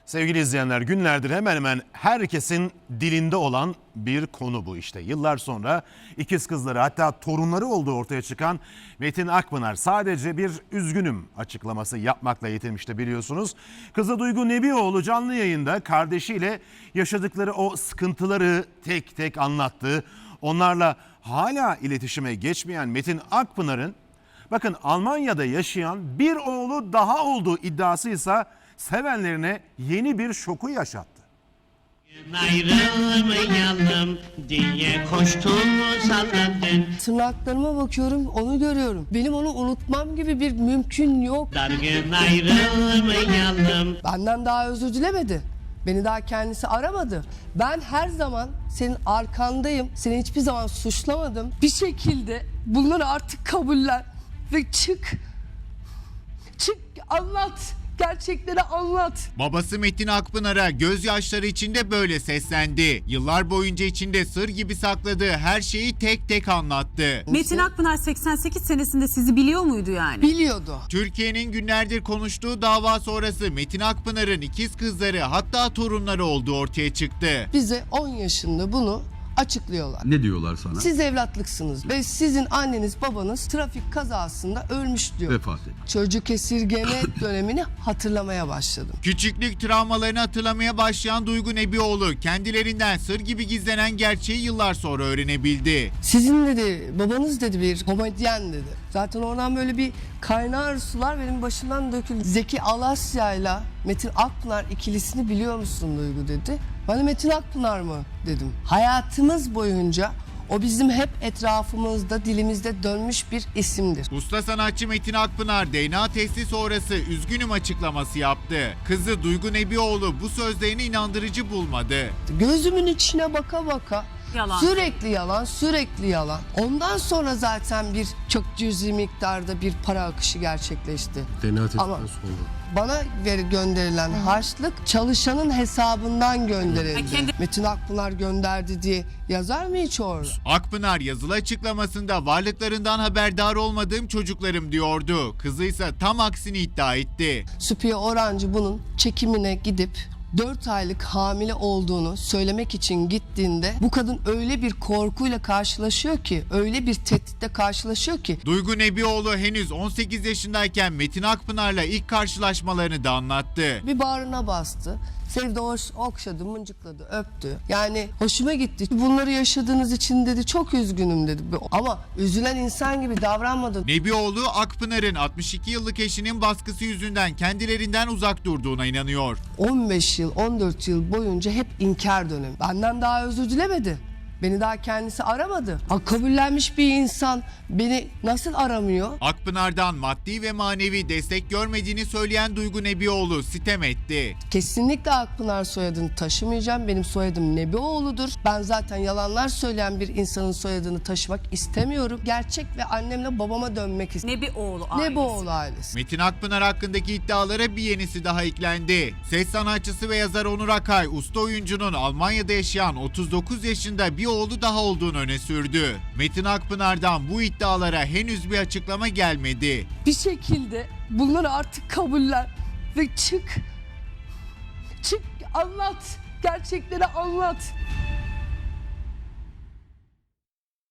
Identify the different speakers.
Speaker 1: Sevgili izleyenler, günlerdir hemen hemen herkesin dilinde olan bir konu bu işte. Yıllar sonra ikiz kızları, hatta torunları olduğu ortaya çıkan Metin Akpınar sadece bir üzgünüm açıklaması yapmakla yetinmişti biliyorsunuz. Kızı Duygu Nebioğlu canlı yayında kardeşiyle yaşadıkları o sıkıntıları tek tek anlattı. Onlarla hala iletişime geçmeyen Metin Akpınar'ın bakın Almanya'da yaşayan bir oğlu daha olduğu iddiasıysa sevenlerine yeni bir şoku yaşattı.
Speaker 2: Ayrılmayalım diye koştum salladın.
Speaker 3: Tırnaklarıma bakıyorum, onu görüyorum. Benim onu unutmam gibi bir mümkün yok.
Speaker 2: Dargın ayrılmayalım.
Speaker 3: Benden daha özür dilemedi. Beni daha kendisi aramadı. Ben her zaman senin arkandayım. Seni hiçbir zaman suçlamadım. Bir şekilde bunları artık kabullen ve çık. Çık, anlat. Gerçekleri anlat.
Speaker 4: Babası Metin Akpınar'a gözyaşları içinde böyle seslendi. Yıllar boyunca içinde sır gibi sakladığı her şeyi tek tek anlattı.
Speaker 5: Metin Akpınar 88 senesinde sizi biliyor muydu yani?
Speaker 3: Biliyordu.
Speaker 4: Türkiye'nin günlerdir konuştuğu dava sonrası Metin Akpınar'ın ikiz kızları, hatta torunları olduğu ortaya çıktı.
Speaker 3: Bize 10 yaşında bunu açıklıyorlar.
Speaker 6: Ne diyorlar sana?
Speaker 3: Siz evlatlıksınız ve sizin anneniz babanız trafik kazasında ölmüş diyor.
Speaker 6: Vefat etti.
Speaker 3: Çocuk esirgeme dönemini hatırlamaya başladım.
Speaker 4: Küçüklük travmalarını hatırlamaya başlayan Duygu Nebioğlu kendilerinden sır gibi gizlenen gerçeği yıllar sonra öğrenebildi.
Speaker 3: Sizin dedi, babanız dedi bir komedyen dedi. Zaten oradan böyle bir kaynar sular benim başımdan döküldü. Zeki Alasya ile Metin Akpınar ikilisini biliyor musun Duygu dedi. Ben de Metin Akpınar mı dedim. Hayatımız boyunca o bizim hep etrafımızda, dilimizde dönmüş bir isimdir.
Speaker 4: Usta sanatçı Metin Akpınar DNA testi sonrası üzgünüm açıklaması yaptı. Kızı Duygu Nebioğlu bu sözlerini inandırıcı bulmadı.
Speaker 3: Gözümün içine baka baka
Speaker 5: Yalan.
Speaker 3: sürekli yalan, sürekli yalan. Ondan sonra zaten bir çok cüzi miktarda bir para akışı gerçekleşti.
Speaker 6: DNA testinden
Speaker 3: Ama-
Speaker 6: sonra.
Speaker 3: Bana gönderilen harçlık çalışanın hesabından gönderildi.
Speaker 5: Ha, kendi-
Speaker 3: Metin Akpınar gönderdi diye yazar mı hiç orada?
Speaker 4: Akpınar yazılı açıklamasında varlıklarından haberdar olmadığım çocuklarım diyordu. Kızı ise tam aksini iddia etti.
Speaker 3: Süpiye Orancı bunun çekimine gidip 4 aylık hamile olduğunu söylemek için gittiğinde bu kadın öyle bir korkuyla karşılaşıyor ki, öyle bir tehditle karşılaşıyor ki
Speaker 4: Duygu Nebioğlu henüz 18 yaşındayken Metin Akpınar'la ilk karşılaşmalarını da anlattı.
Speaker 3: bir bağrına bastı. Sevdi, okşadı, mıncıkladı, öptü. Yani hoşuma gitti. Bunları yaşadığınız için dedi çok üzgünüm dedi. Ama üzülen insan gibi davranmadı.
Speaker 4: Nebioğlu Akpınar'ın 62 yıllık eşinin baskısı yüzünden kendilerinden uzak durduğuna inanıyor.
Speaker 3: 15 yıl, 14 yıl boyunca hep inkar dönemi. Benden daha özür dilemedi. Beni daha kendisi aramadı. Kabullenmiş bir insan beni nasıl aramıyor?
Speaker 4: Akpınar'dan maddi ve manevi destek görmediğini söyleyen Duygu Nebioğlu sitem etti.
Speaker 3: Kesinlikle Akpınar soyadını taşımayacağım. Benim soyadım Nebioğlu'dur. Ben zaten yalanlar söyleyen bir insanın soyadını taşımak istemiyorum. Gerçek ve annemle babama dönmek istiyorum.
Speaker 5: Nebioğlu ailesi.
Speaker 3: Nebioğlu ailesi.
Speaker 4: Metin Akpınar hakkındaki iddialara bir yenisi daha eklendi. Ses sanatçısı ve yazar Onur Akay, usta oyuncunun Almanya'da yaşayan 39 yaşında bir oğlu daha olduğunu öne sürdü. Metin Akpınar'dan bu iddialara henüz bir açıklama gelmedi.
Speaker 3: Bir şekilde bunları artık kabullen ve çık. Çık, anlat. Gerçekleri anlat.